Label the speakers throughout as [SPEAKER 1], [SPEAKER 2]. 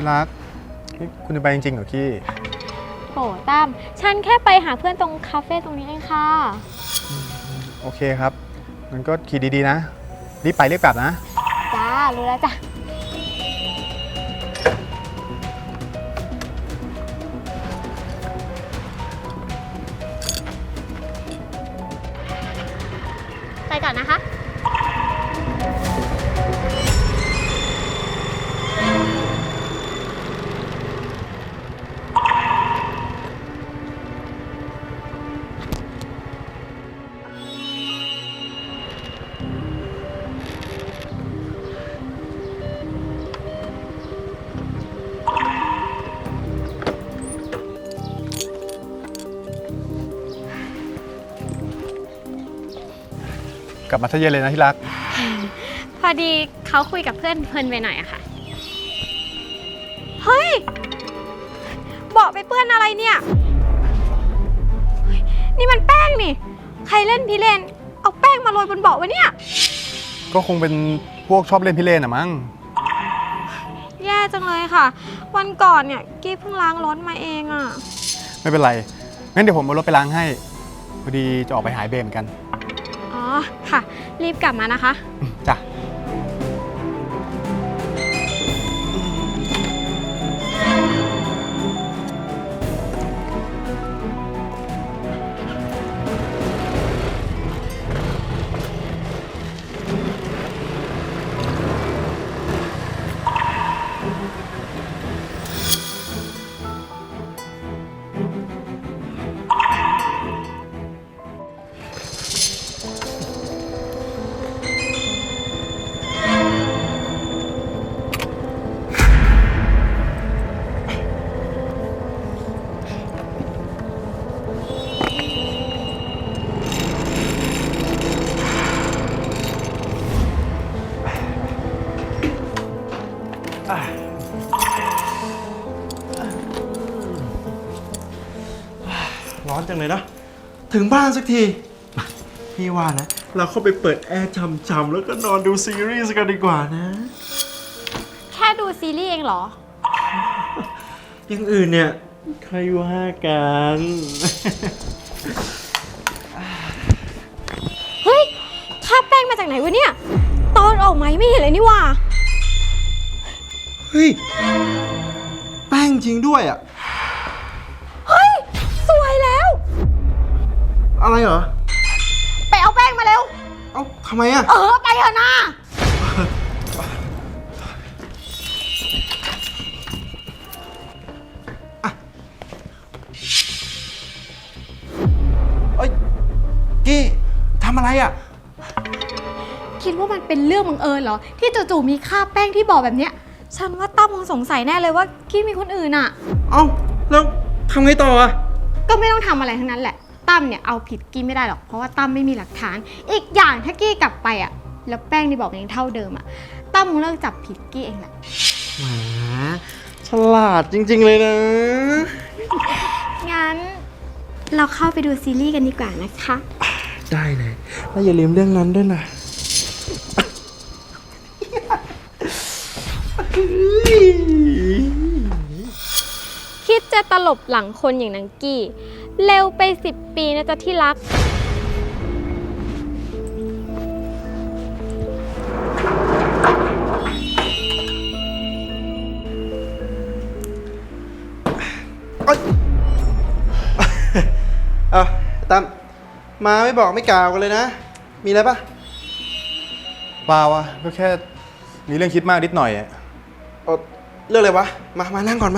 [SPEAKER 1] ที่รักนี่คุณจะไปจริงๆเหรอกี้
[SPEAKER 2] โหตั้มฉันแค่ไปหาเพื่อนตรงคาเฟ่ตรงนี้เองค่ะ
[SPEAKER 1] โอเคครับงั้นก็ขี่ดีๆนะรีบไปรีบกลับนะ
[SPEAKER 2] จ้ารู้แล้วจ้ะไปก่อนนะคะ
[SPEAKER 1] กลับมาทะเย็นเลยนะที่รัก
[SPEAKER 2] พอดีเขาคุยกับเพื่อนเพลินไปหน่อยอะค่ะเฮ้ยเบาะไปเปื้อนอะไรเนี่ยนี่มันแป้งนี่ใครเล่นพี่เล่นเอาแป้งมาโรยบนเบาะวะเนี่ย
[SPEAKER 1] ก็คงเป็นพวกชอบเล่นพิเรนอะมั้ง
[SPEAKER 2] แย่จังเลยค่ะวันก่อนเนี่ยกี้เพิ่งล้างรถมาเองอะ
[SPEAKER 1] ไม่เป็นไรงั้นเดี๋ยวผมเอารถไปล้างให้พอดีจะออกไปหายเบรเหมือนกัน
[SPEAKER 2] อ๋อค่ะรีบกลับมานะคะ
[SPEAKER 1] จ้ะ
[SPEAKER 3] ร้อนจังเลยนะถึงบ้านสักทีพี่ว่านะเราเข้าไปเปิดแอร์ช่ำๆแล้วก็นอนดูซีรีส์กันดีกว่านะ
[SPEAKER 2] แค่ดูซีรีส์เองเหรอ
[SPEAKER 3] อย่างอื่นเนี่ยใครว่ากัน
[SPEAKER 2] เฮ้ยคราบแป้งมาจากไหนวะเนี่ยตอนออกมาไม่เห็นเลยนี่ว่า
[SPEAKER 3] เฮ้ยแป้งจริงด้วยอ่ะ
[SPEAKER 2] เฮ้ยสวยแล้ว
[SPEAKER 3] อะไรเหรอ
[SPEAKER 2] ไปเอาแป้งมาเร็ว
[SPEAKER 3] เอ้าทำไมอ่ะ
[SPEAKER 2] ไปเถอะนะ
[SPEAKER 3] เอ้ยกี้ทำอะไรอ่ะ
[SPEAKER 2] คิดว่ามันเป็นเรื่องบังเอิญเหรอที่จู่ๆมีคราบแป้งที่บ่อแบบเนี้ยฉันว่าตั้มคงสงสัยแน่เลยว่ากี้มีคนอื่นอ่ะ
[SPEAKER 3] เอ้าแล้วทำไงต่ออ่ะ
[SPEAKER 2] ก็ไม่ต้องทำอะไรทั้งนั้นแหละตั้มเนี่ยเอาผิดกี้ไม่ได้หรอกเพราะว่าตั้มไม่มีหลักฐานอีกอย่างถ้ากี้กลับไปอ่ะแล้วแป้งที่บอกยังเท่าเดิมอ่ะตั้มคงเลิกจับผิดกี้เองแหละ
[SPEAKER 3] แหมฉลาดจริงๆเลยนะ
[SPEAKER 2] งั้นเราเข้าไปดูซีรีส์กันดีกว่านะคะ
[SPEAKER 3] ได้เลยแล้วอย่าลืมเรื่องนั้นด้วยนะ
[SPEAKER 2] คิดจะตลบหลังคนอย่างนางกี้เร็วไป10 ปีนะจ๊ะที่รัก
[SPEAKER 3] ตั้มมาไม่บอกไม่กล่าวกันเลยนะมีอะไรปะ
[SPEAKER 1] เปล่าวะก็แค่มีเรื่องคิดมากนิดหน่อยอะ
[SPEAKER 3] เรื่องอะไรวะมานั่งก่อนไหม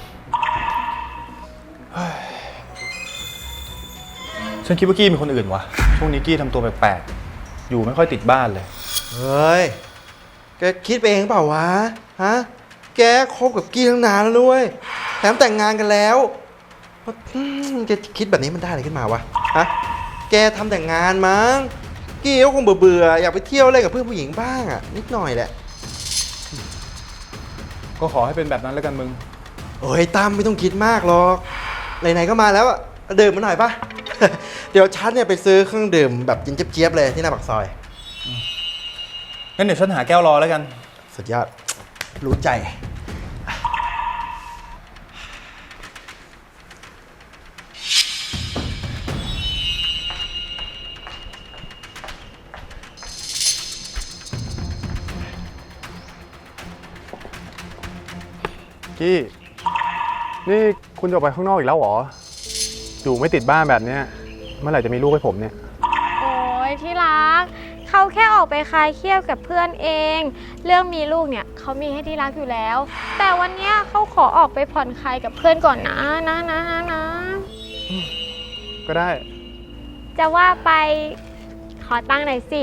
[SPEAKER 1] ฉันคิดว่ากี้มีคนอื่นวะช่วงนี้กี้ทำตัวแปลกๆอยู่ไม่ค่อยติดบ้านเลย
[SPEAKER 3] เฮ้ยแกคิดไปเองเปล่าวะฮะแกคบกับกี้ตั้งนานแล้วด้วยแถมแต่งงานกันแล้วแกคิดแบบนี้มันได้อะไรขึ้นมาวะฮะแกทำแต่งงานมั้งกี้ก็คงเบื่ออยากไปเที่ยวเล่นกับเพื่อนผู้หญิงบ้างอ่ะนิดหน่อยแหละ
[SPEAKER 1] ก็ขอให้เป็นแบบนั้นแล้วกันมึง
[SPEAKER 3] โอ้ยตั้มไม่ต้องคิดมากหรอกไหนๆก็มาแล้วอ่ะดื่มมาหน่อยปะ เดี๋ยวฉันเนี่ยไปซื้อเครื่องดื่มแบบกินเจี๊ยบๆเลยที่หน้าปากซอย
[SPEAKER 1] งั้นเดี๋ยวฉันหาแก้วรอแล้วกัน
[SPEAKER 3] สุดยอดรู้ใจ
[SPEAKER 1] กี้นี่คุณจะออกไปข้างนอกอีกแล้วเหรออยู่ไม่ติดบ้านแบบเนี้ยเมื่อไหร่จะมีลูกให้ผมเนี่ย
[SPEAKER 2] โอ้ยที่รักเขาแค่ออกไปคลายเครียดกับเพื่อนเอง เรื่องมีลูกเนี่ยเขามีให้ที่รักอยู่แล้ว แต่วันเนี้ยเขาขอออกไปผ่อนคลายกับเพื่อนก่อนนะ
[SPEAKER 1] ก็ได้
[SPEAKER 2] จะว่าไปขอตั้งหน่อยสิ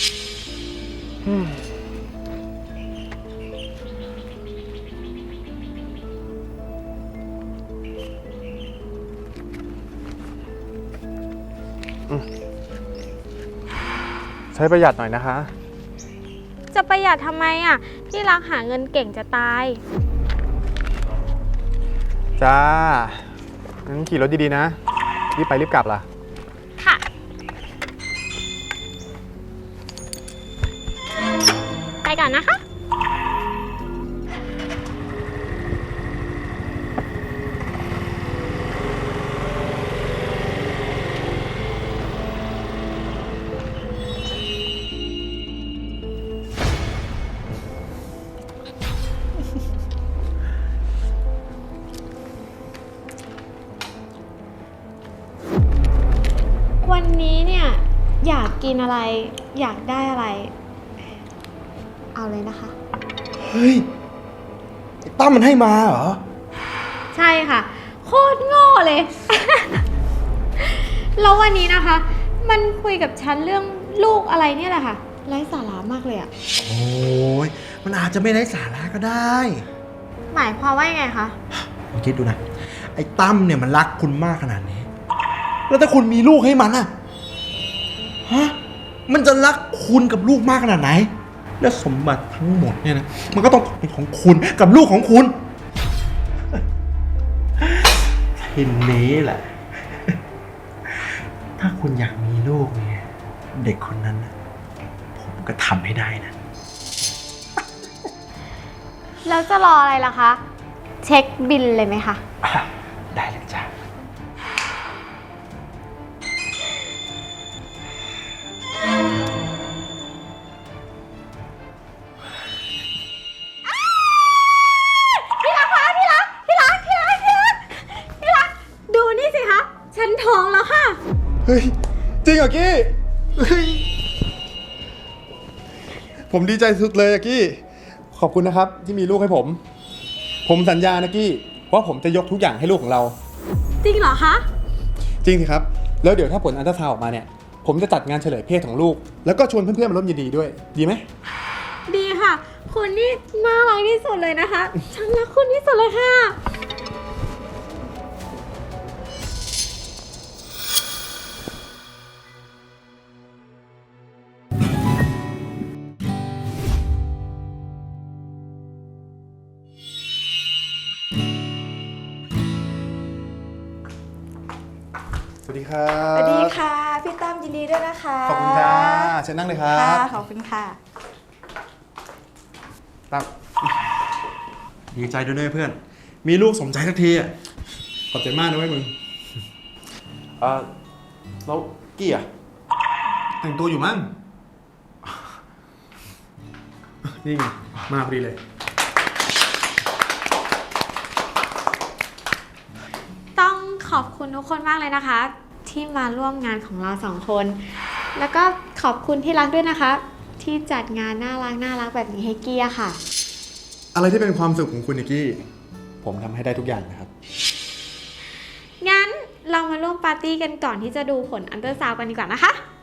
[SPEAKER 1] ใช้ประหยัดหน่อยนะคะ
[SPEAKER 2] จะประหยัดทำไมอ่ะที่รักหาเงินเก่งจะตาย
[SPEAKER 1] จ้างั้นขี่รถดีๆนะรีบไปรีบกลับล่ะ
[SPEAKER 2] ค่ะ ไปก่อนนะคะ วันนี้เนี่ยอยากกินอะไร อยากได้อะไร เอาเลยนะคะ
[SPEAKER 3] เฮ้ยไอ้ตั้มมันให้มาเหรอ
[SPEAKER 2] ใช่ค่ะ โคตรโง่เลย แล้ววันนี้นะคะ มันคุยกับฉันเรื่องลูกอะไรเนี่ยแหละค่ะไร้สาระมากเลยอะ
[SPEAKER 3] โอ้ยมันอาจจะไม่ได้สาระก็ได้
[SPEAKER 2] หมายความว่ายังไงคะ
[SPEAKER 3] ลองคิดดูนะ ไอ้ตั้มเนี่ยมันรักคุณมากขนาดนี้ แล้วถ้าคุณมีลูกให้มันอะฮะ มันจะรักคุณกับลูกมากขนาดไหน และสมบัติทั้งหมดเนี่ยนะ มันก็ต้องเป็นของคุณกับลูกของคุณทีนี้แหละ ถ้าคุณอยากมีลูกเนี่ย เด็กคนนั้นนะผมก็ทำให้ได้นะ
[SPEAKER 2] แล้วจะรออะไรล่ะคะ เช็คบิลเลยไหมคะ
[SPEAKER 3] ได้เลยจ้ะ
[SPEAKER 2] ดูนี่สิคะ ฉันท้องแล้วค่ะ
[SPEAKER 1] เฮ้ย จริงเหรอกี้เฮ้ยผมดีใจสุดเลยอะกี้ขอบคุณนะครับที่มีลูกให้ผม ผมสัญญานะกี้ว่าผมจะยกทุกอย่างให้ลูกของเรา
[SPEAKER 2] จริงเหรอคะ
[SPEAKER 1] จริงสิครับ แล้วเดี๋ยวถ้าผลอัลตราซาวด์ออกมาเนี่ย ผมจะจัดงานเฉลยเพศของลูก แล้วก็ชวนเพื่อนๆมาร่วมยินดีด้วย ดีไหม
[SPEAKER 2] ดีค่ะ คุณนี่น่ารักที่สุดเลยนะคะ ฉันรักคุณที่สุดเลยค่ะ
[SPEAKER 1] สวัสดีครับ
[SPEAKER 4] สวัสดีค่ะ พี่ตั้มยินดีด้วยนะคะ
[SPEAKER 1] ขอบคุณจ้าเชิญนั่งเลยครับ
[SPEAKER 4] ค่ะขอบคุณค่ะ
[SPEAKER 1] ตั้ม
[SPEAKER 3] ดีใจด้วยนะเพื่อน มีลูกสมใจสักทีอ่ะ
[SPEAKER 1] ขอบใจมากนะเว้ยมึง
[SPEAKER 3] แล้วกี้อ่ะ
[SPEAKER 1] แต่งตัวอยู่มั้ง นี่ไง มาพอดีเลย
[SPEAKER 2] ต้องขอบคุณทุกคนมากเลยนะคะ ที่มาร่วมงานของเราสองคน แล้วก็ขอบคุณที่รักด้วยนะคะ ที่จัดงานน่ารักแบบนี้ให้เกียร์ค่ะ
[SPEAKER 1] อะไรที่เป็นความสุขของคุณนิกกี้ ผมทำให้ได้ทุกอย่างนะครับ
[SPEAKER 2] งั้นเรามาร่วมปาร์ตี้กันก่อนที่จะดูผลอัลตราซาวด์กันดีกว่านะคะ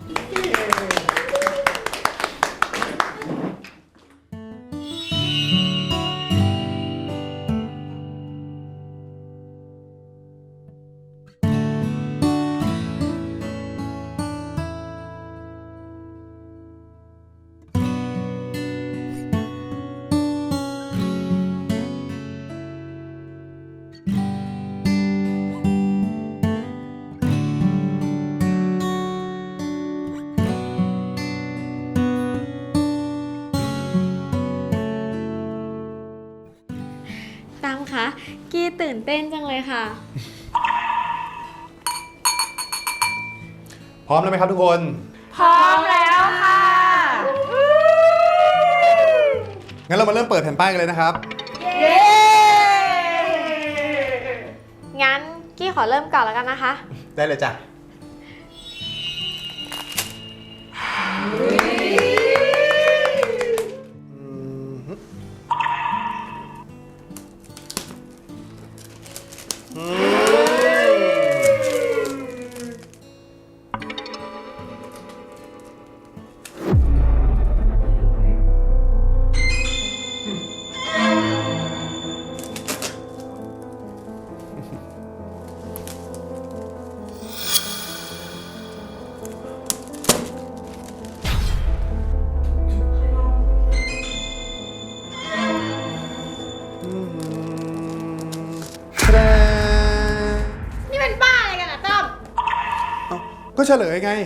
[SPEAKER 2] ตั้มคะกี้ตื่นเต้นจังเลยค่ะ
[SPEAKER 1] พร้อมแล้วไหมครับทุกคน
[SPEAKER 4] พร้อมแล้วค่ะ
[SPEAKER 1] งั้นเรามาเริ่มเปิดแผ่นป้ายกันเลยนะครับ
[SPEAKER 4] เย้
[SPEAKER 2] ขอเริ่มก่อนแล้วกันนะคะ
[SPEAKER 1] ได้เลยจ้ะ
[SPEAKER 2] นี่เป็นบ้าอะไรกันอะต้อม
[SPEAKER 1] ก็เฉลยไง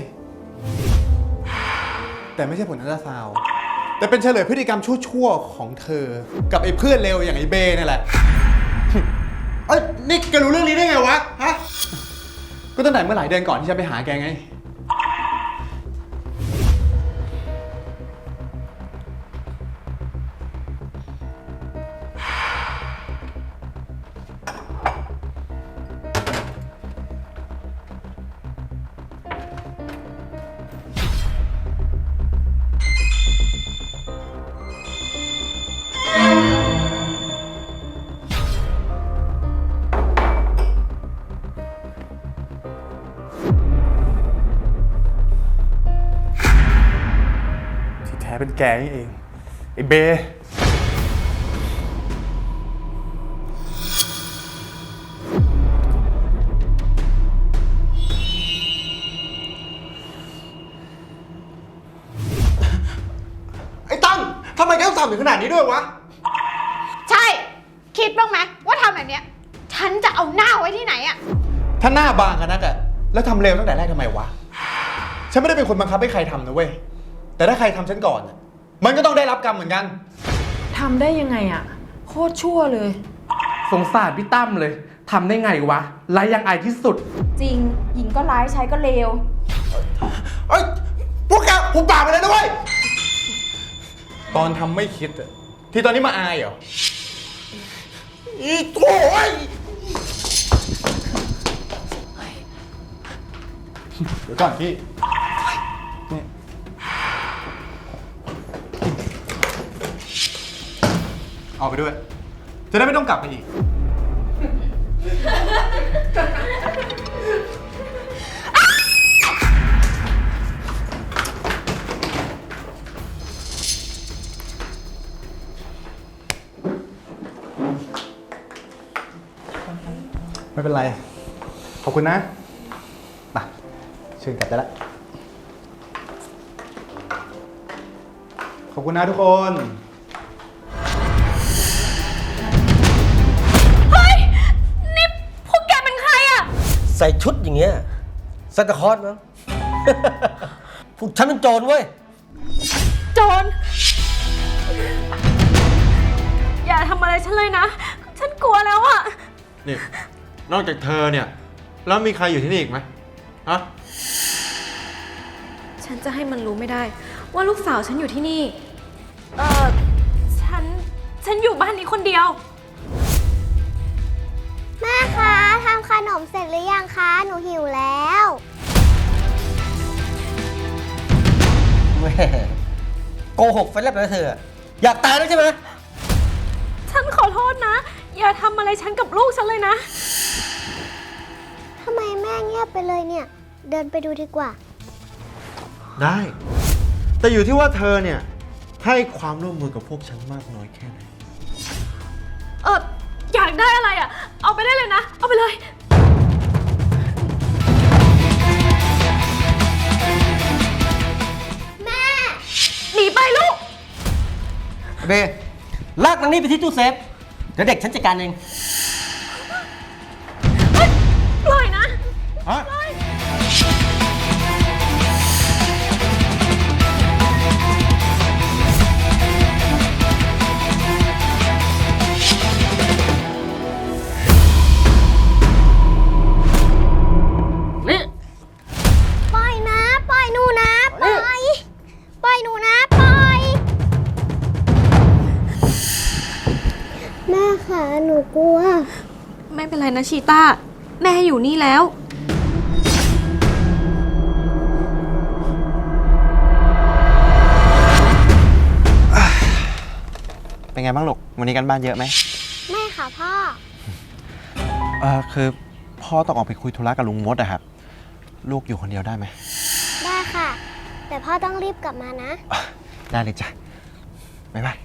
[SPEAKER 1] แต่ไม่ใช่ผลอัลตราซาวด์แต่เป็นเฉลยพฤติกรรมชั่วๆของเธอ กับไอ้เพื่อนเลวอย่างไอ้เบนั่นแหละ เอ้ยนี่แกรู้เรื่องนี้ได้ไงวะ ฮะ ก็ตั้งแต่เมื่อหลายเดือนก่อนที่ฉันไปหาแกไง ที่แท้เป็นแกนี่เอง ไอ้เบ
[SPEAKER 3] ไอ้ตั้งทำไมแกต้องทำถึงขนาดนี้ด้วยวะ
[SPEAKER 2] ใช่ คิดบ้างไหมว่าทำแบบเนี้ย ฉันจะเอาหน้าไว้ที่ไหนอะ
[SPEAKER 1] ถ้าหน้าบางกันนักอะแล้วทำเร็วตั้งแต่แรกทำไมวะ ฉันไม่ได้เป็นคนบังคับให้ใครทำนะเว้ย แต่ถ้าใครทำฉันก่อนอะมันก็ต้องได้รับกรรมเหมือนกัน
[SPEAKER 5] ทำได้ยังไงอะโคตรชั่วเลย
[SPEAKER 6] สงสารพี่ตั้มเลย ทำได้ไงวะไร้ยังอายที่สุด
[SPEAKER 4] จริง หญิงก็ร้ายชายก็เลว
[SPEAKER 1] เอ้ย พวกแกผมปากไปเลยนะเว้ย ตอนทำไม่คิดอะที่ตอนนี้มาอายเหรอ อีโถ่เอ้ยเดี๋ยวก่อนพี่นี่เอาไปด้วย จะได้ไม่ต้องกลับมาอีก ไม่เป็นไร ขอบคุณนะมาเชิญกลับได้ละ ขอบคุณนะทุกคน
[SPEAKER 2] นี่พวกแกเป็นใครอะ
[SPEAKER 7] ใส่ชุดอย่างเงี้ยซันตาคลอสมั้ง พวกฉันเป็นโจรเว้ย
[SPEAKER 2] โจร อย่าทำอะไรฉันเลยนะ ฉันกลัวแล้วอะ
[SPEAKER 3] นี่ นอกจากเธอเนี่ย แล้วมีใครอยู่ที่นี่อีกไหมฮะ
[SPEAKER 2] ฉันจะให้มันรู้ไม่ได้ ว่าลูกสาวฉันอยู่ที่นี่ ฉันอยู่บ้านนี้คนเดียว
[SPEAKER 8] แม่คะทำขนมเสร็จหรือยังคะ หนูหิวแล้ว
[SPEAKER 7] แม่โกหกไฟแลบเลยเธอ อยากตายแล้วใช่ไหม
[SPEAKER 2] ฉันขอโทษนะ อย่าทำอะไรฉันกับลูกฉันเลยนะ
[SPEAKER 8] ทำไมแม่เงียบไปเลยเนี่ย เดินไปดูดีกว่า
[SPEAKER 3] ได้ แต่อยู่ที่ว่าเธอเนี่ย ให้ความร่วมมือกับพวกฉันมากน้อยแค่ไหน
[SPEAKER 2] อยากได้อะไรอะเอาไปได้เลยนะ เอาไปเลย
[SPEAKER 8] แม่
[SPEAKER 2] หนีไปลูก
[SPEAKER 7] เบลากนางนี่ไปที่ตู้เซฟ เดี๋ยวเด็กฉันจัดการเอง
[SPEAKER 2] ปล่อยนะ
[SPEAKER 3] ฮะ
[SPEAKER 7] นี่
[SPEAKER 8] ปล่อยนะ ปล่อยหนูนะ ปล่อย ปล่อยหนูนะ ปล่อย แม่คะหนูกลัว
[SPEAKER 2] ไม่เป็นไรนะชีต้าแม่อยู่นี่แล้ว
[SPEAKER 3] เป็นไงบ้างลูก วันนี้กันบ้านเยอะไหม
[SPEAKER 8] ไม่ค่ะพ่อ
[SPEAKER 3] คือพ่อต้องออกไปคุยธุระกับลุงมดอะครับ ลูกอยู่คนเดียวได้ไหม
[SPEAKER 8] ได้ค่ะ แต่พ่อต้องรีบกลับมานะ
[SPEAKER 3] ได้เลยจ้ะ บ๊ายบาย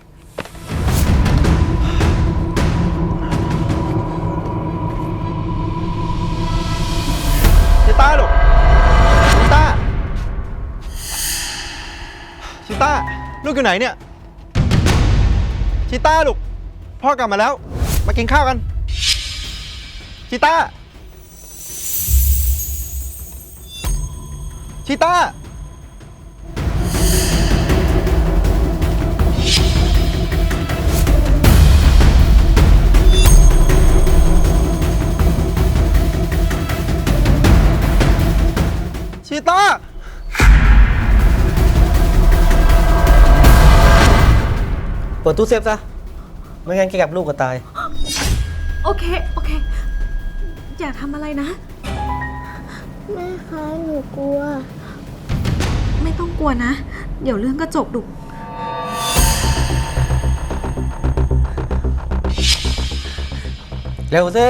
[SPEAKER 3] ชิต้าลูก ชิต้า ชิต้า ลูกอยู่ไหนเนี่ย ชิต้าลูก พ่อกลับมาแล้ว มากินข้าวกัน ชิต้า ชิต้า ชีต้า
[SPEAKER 7] เปิดตู้เซฟซะ ไม่งั้นแกกับลูกก็ตาย
[SPEAKER 5] โอเค อย่าทำอะไรนะ
[SPEAKER 8] แม่คะหนูกลัว
[SPEAKER 5] ไม่ต้องกลัวนะ เดี๋ยวเรื่องก็จบดุ
[SPEAKER 7] เร็วสิ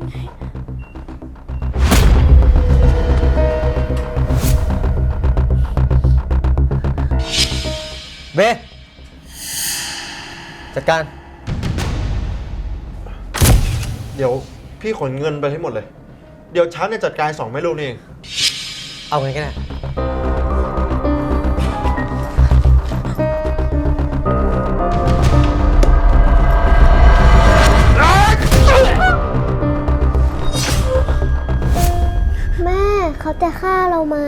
[SPEAKER 7] เบ จัดการ
[SPEAKER 3] เดี๋ยวพี่ขนเงินไปให้หมดเลย เดี๋ยวฉันเนี่ยจัดการ2แม่ลูกนี่เอง
[SPEAKER 7] เอาไงก็ได้
[SPEAKER 8] แม่เขาจะฆ่าเราไหม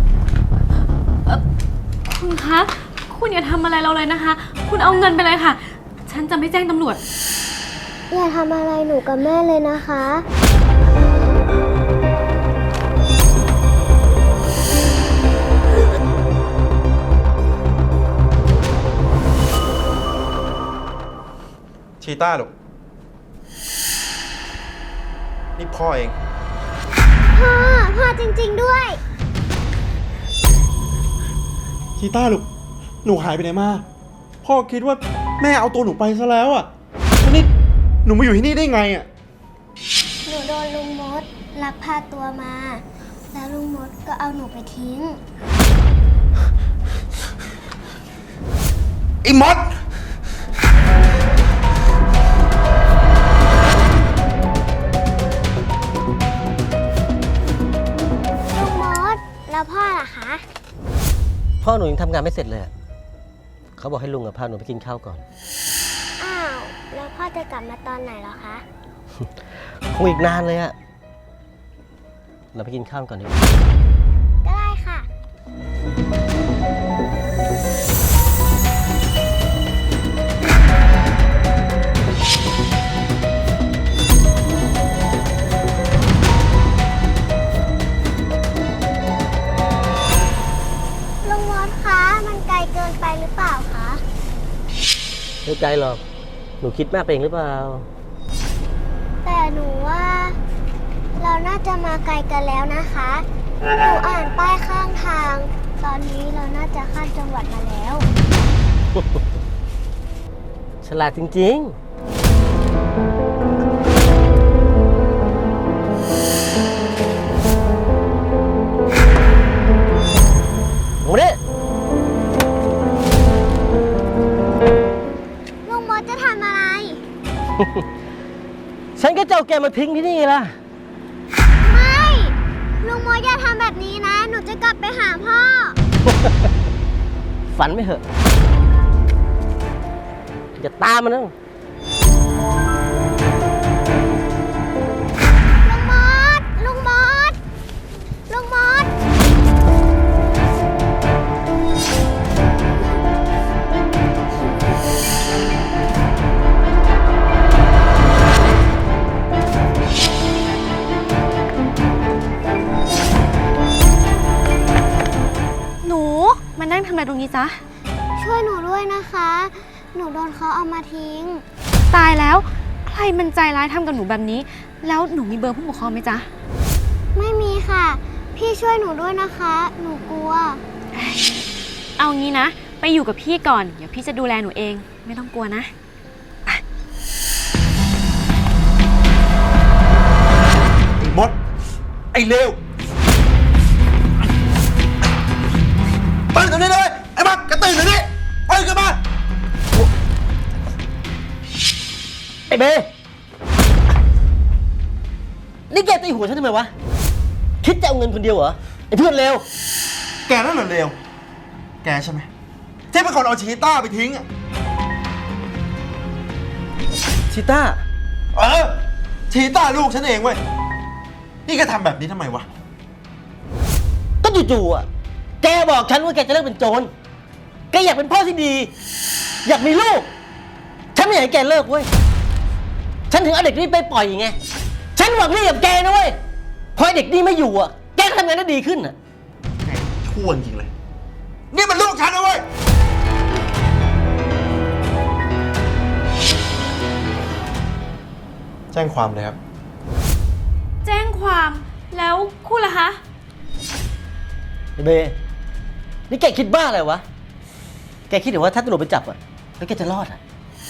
[SPEAKER 5] คุณคะ คุณอย่าทำอะไรเราเลยนะคะ คุณเอาเงินไปเลยค่ะ ฉันจะไม่แจ้งตำรวจ
[SPEAKER 8] อย่าทำอะไรหนูกับแม่เลยนะคะ
[SPEAKER 3] ชีต้าลูก นี่พ่อเอง
[SPEAKER 8] พ่อจริงๆด้วย
[SPEAKER 1] ชีต้าลูก หนูหายไปไหนมา พ่อคิดว่าแม่เอาตัวหนูไปซะแล้วอ่ะแล้วนี่หนูมาอยู่ที่นี่ได้ไงอ่ะ
[SPEAKER 8] หนูโดนลุงมดลักพาตัวมา แล้วลุงมดก็เอาหนูไปทิ้ง
[SPEAKER 3] ไอ้มด
[SPEAKER 8] ลุงมด แล้วพ่อล่ะคะ
[SPEAKER 7] พ่อหนูยังทำงานไม่เสร็จเลยอะเขาบอกให้ลุงกับพาหนูไปกินข้าวก่อน
[SPEAKER 8] อ้าว แล้วพ่อจะกลับมาตอนไหนเหรอคะ
[SPEAKER 7] คงอีกนานเลยอะเราไปกินข้าวก่อนดีกว่า
[SPEAKER 8] ก็ได้ค่ะ ลุงมดคะ มันไกลเกินไปหรือเปล่าคะ
[SPEAKER 7] ไม่ไกลหรอก หนูคิดมากไปเองหรือเปล่า
[SPEAKER 8] แต่หนูว่า เราน่าจะมาไกลกันแล้วนะคะ หนูอ่านป้ายข้างทาง ตอนนี้เราน่าจะข้ามจังหวัดมาแล้ว
[SPEAKER 7] ฉลาดจริงๆโอ้เนี่ย
[SPEAKER 8] ลุงมดจะทำอะไร
[SPEAKER 7] ฉันก็จะเอาแกมาทิ้งที่นี่ล่ะ
[SPEAKER 8] ไม่ ลุงมดอย่าทำแบบนี้นะ หนูจะกลับไปหาพ่อ
[SPEAKER 7] ฝันไม่เหอะจะตามมันนะ
[SPEAKER 8] ลุงมด ลุงมด ลุงมด
[SPEAKER 2] หนู มานั่งทำอะไรตรงนี้จ๊ะ
[SPEAKER 8] ช่วยหนูด้วยนะคะ หนูโดนเขาเอามาทิ้ง
[SPEAKER 2] ตายแล้ว ใครมันใจร้ายทำกับหนูแบบนี้
[SPEAKER 5] แล้วหนูมีเบอร์ผู้ปกครองไหมจ๊ะ
[SPEAKER 8] ไม่มีค่ะ พี่ช่วยหนูด้วยนะคะ หนูกลัว
[SPEAKER 5] เอางี้นะ ไปอยู่กับพี่ก่อน เดี๋ยวพี่จะดูแลหนูเอง ไม่ต้องกลัวนะ
[SPEAKER 3] ไอ้มด ไอ้เลวตื่นตรงนี้เลย ไอ้บักกระตื่นตรงนี้ตื่นขึ้นมา
[SPEAKER 7] ไอ้เบนี่แกตีหัวฉันทำไมวะ คิดจะเอาเงินคนเดียวเหรอ ไอ้เพื่อนเลว
[SPEAKER 3] แกนั่นเหรอเลว แกใช่ไหมที่เป็นคนเอาชีต้าไปทิ้งอะ
[SPEAKER 7] ชิต้า
[SPEAKER 3] ชีต้าลูกฉันเองเว้ย นี่แกทำแบบนี้ทำไมวะ
[SPEAKER 7] ก็จู่ๆอ่ะ แกบอกฉันว่าแกจะเลิกเป็นโจร แกอยากเป็นพ่อที่ดี อยากมีลูก ฉันไม่อยากให้แกเลิกเว้ย ฉันถึงเอาเด็กนี่ไปปล่อยไง ฉันหวังดีกับแกนะเว้ย พอไอ้เด็กนี่ไม่อยู่อ่ะ แกก็ทำงานได้ดีขึ้นอ่ะ
[SPEAKER 3] แกชั่วจริงเลย นี่มันลูกฉันนะเว้ย แจ้งความเลยครับ
[SPEAKER 5] แจ้งความแล้วคุณล่ะคะ
[SPEAKER 7] ไอ้เบนี่แกคิดบ้าอะไรวะ แกคิดหรือว่าถ้าตำรวจไปจับอ่ะ แล้วแกจะรอดอ่ะ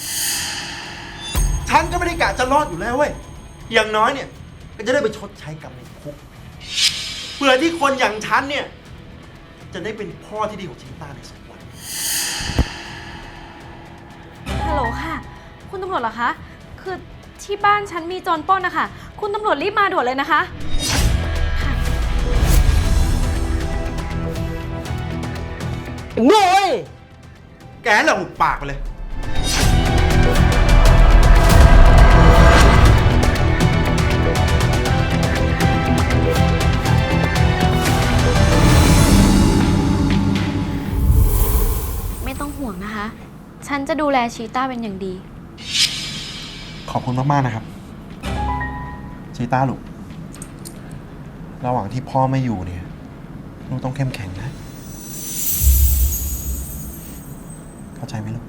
[SPEAKER 3] ฉันก็ไม่ได้กะจะรอดอยู่แล้วเว้ย อย่างน้อยเนี่ย ก็จะได้ไปชดใช้กรรมในคุก เพื่อที่คนอย่างฉันเนี่ย จะได้เป็นพ่อที่ดีของชีต้าในสักวัน
[SPEAKER 5] ฮัลโหลค่ะ คุณตำรวจเหรอคะ คือที่บ้านฉันมีโจรปล้นนะคะ คุณตำรวจรีบมาด่วนเลยนะคะ
[SPEAKER 7] โง่เว้ย
[SPEAKER 3] แกแหละหุบปากไปเลย
[SPEAKER 5] ไม่ต้องห่วงนะคะ ฉันจะดูแลชีต้าเป็นอย่างดี
[SPEAKER 3] ขอบคุณมาก ๆ นะครับ ชีต้าลูก ระหว่างที่พ่อไม่อยู่เนี่ย ลูกต้องเข้มแข็งนะ เข้าใจไหมลูก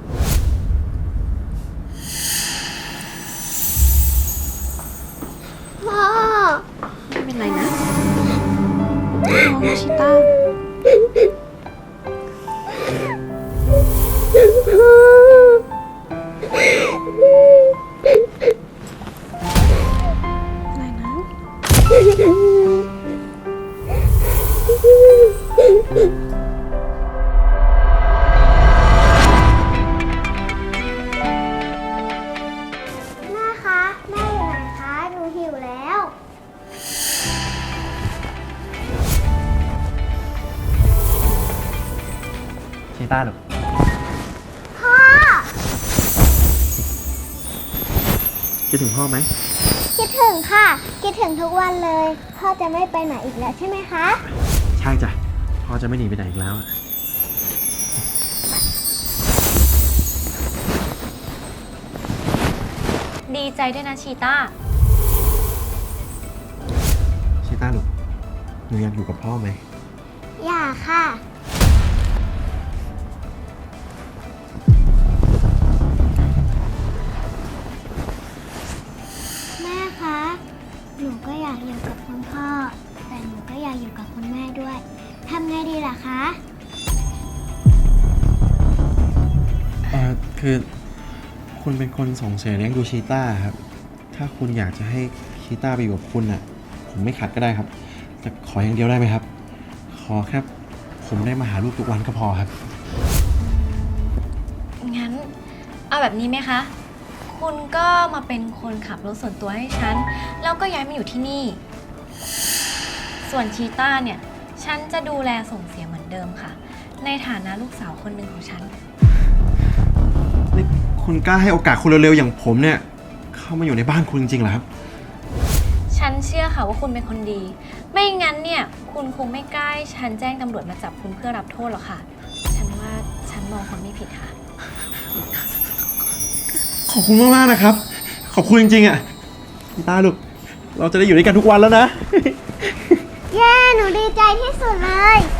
[SPEAKER 8] พ่อ
[SPEAKER 5] ไม่เป็นไรนะน้องชิต้า อะไรนะ
[SPEAKER 8] แม่คะ แม่อยู่ไหนคะ หนูหิวแล้ว
[SPEAKER 3] ชีต้าลูก
[SPEAKER 8] พ่อ
[SPEAKER 3] คิดถึงพ่อไหม
[SPEAKER 8] คิดถึงค่ะ คิดถึงทุกวันเลย พ่อจะไม่ไปไหนอีกแล้วใช่ไหมคะ
[SPEAKER 3] ใช่จ้ะ พ่อจะไม่หนีไปไหนอีกแล้ว
[SPEAKER 5] ดีใจด้วยนะชีต้า
[SPEAKER 3] ชีต้าลูก หนูอยากอยู่กับพ่อไหม
[SPEAKER 8] อย่าค่ะ แม่คะ หนูก็อยากอยู่กับคุณพ่อ แต่หนูก็อยากอยู่กับคุณแม่ด้วย ทำไงดีล่ะคะ
[SPEAKER 9] คือคุณเป็นคนส่งเสียเลี้ยงดูชีต้าครับ ถ้าคุณอยากจะให้ชีต้าไปอยู่กับคุณน่ะ ผมไม่ขัดก็ได้ครับ แต่ขออย่างเดียวได้ไหมครับ ขอแค่ผมได้มาหาลูกทุกวันก็พอครับ
[SPEAKER 5] งั้น เอาแบบนี้ไหมคะ คุณก็มาเป็นคนขับรถส่วนตัวให้ฉัน แล้วก็ย้ายมาอยู่ที่นี่ ส่วนชีต้าเนี่ย ฉันจะดูแลส่งเสียเหมือนเดิมค่ะ ในฐานะลูกสาวคนหนึ่งของฉัน
[SPEAKER 9] นี่คุณกล้าให้โอกาสคนเร็วๆอย่างผมเนี่ย เข้ามาอยู่ในบ้านคุณจริงๆเหรอครับ
[SPEAKER 5] ฉันเชื่อค่ะว่าคุณเป็นคนดี ไม่งั้นเนี่ยคุณคงไม่กล้าให้ฉันแจ้งตำรวจมาจับคุณเพื่อรับโทษหรอกค่ะ ฉันว่าฉันมองคนไม่ผิดค่ะ
[SPEAKER 9] ขอบคุณมากๆนะครับ ขอบคุณจริงๆอ่ะชีต้าลูก เราจะได้อยู่ด้วยกันทุกวันแล้วนะ
[SPEAKER 8] เย้ หนูดีใจที่สุดเลย